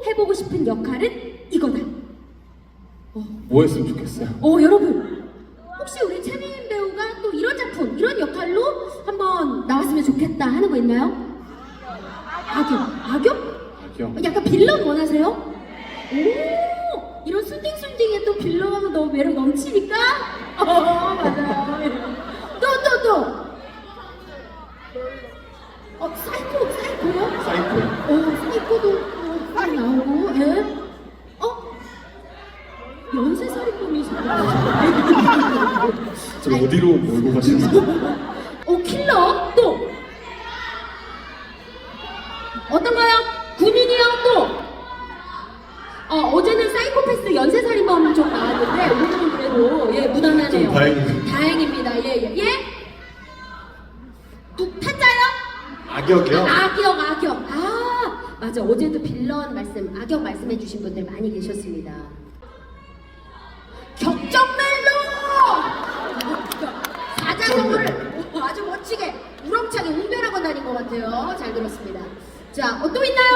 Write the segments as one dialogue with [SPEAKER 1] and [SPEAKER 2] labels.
[SPEAKER 1] 해보고 싶은 역할은 이거다.
[SPEAKER 2] 뭐 했으면 좋겠어요?
[SPEAKER 1] 여러분 혹시 우리 최민 배우가 또 이런 작품, 이런 역할로 한번 나왔으면 좋겠다 하는 거 있나요? 악역?
[SPEAKER 2] 악역.
[SPEAKER 1] 약간 빌런 원하세요? 오, 이런 순딩순딩에 또 빌런 하면 너무 매력 넘치니까? 맞아. 또. 사이코요?
[SPEAKER 2] 사이코.
[SPEAKER 1] 사이코도 빨리 나오고, 예? 연쇄살인범이시구나.
[SPEAKER 2] 저 어디로 몰고 가시나요?
[SPEAKER 1] 킬러? 또! 어떤가요? 군인이요? 또! 어제는 사이코패스 연쇄살인범 좀 나왔는데, 오늘은 그래도, 무난하네요.
[SPEAKER 2] 좀 다행이네요.
[SPEAKER 1] 다행입니다. 예? 타짜요?
[SPEAKER 2] 악역이요?
[SPEAKER 1] 악역. 맞아. 어제도 빌런 말씀, 악역 말씀해주신 분들 많이 계셨습니다. 격정멜로! 사자성어를 아주 멋지게 우렁차게 웅변하고 다닌 것 같아요. 잘 들었습니다. 자, 또 있나요?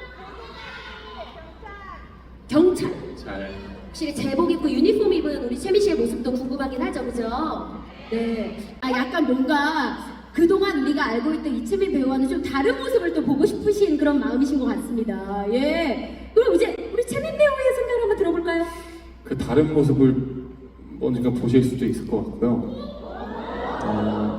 [SPEAKER 1] 경찰.
[SPEAKER 2] 잘.
[SPEAKER 1] 확실히 제복 입고 유니폼 입은 우리 채미 씨의 모습도 궁금하긴 하죠, 그죠? 네. 약간 뭔가 그동안 우리가 알고 있던 이채민 배우와는 좀 다른 모습을 또 보고 싶으신 그런 마음이신 것 같습니다. 예. 그럼 이제 우리 채민 배우의 생각을 한번 들어볼까요?
[SPEAKER 2] 그 다른 모습을 언젠가 보실 수도 있을 것 같고요.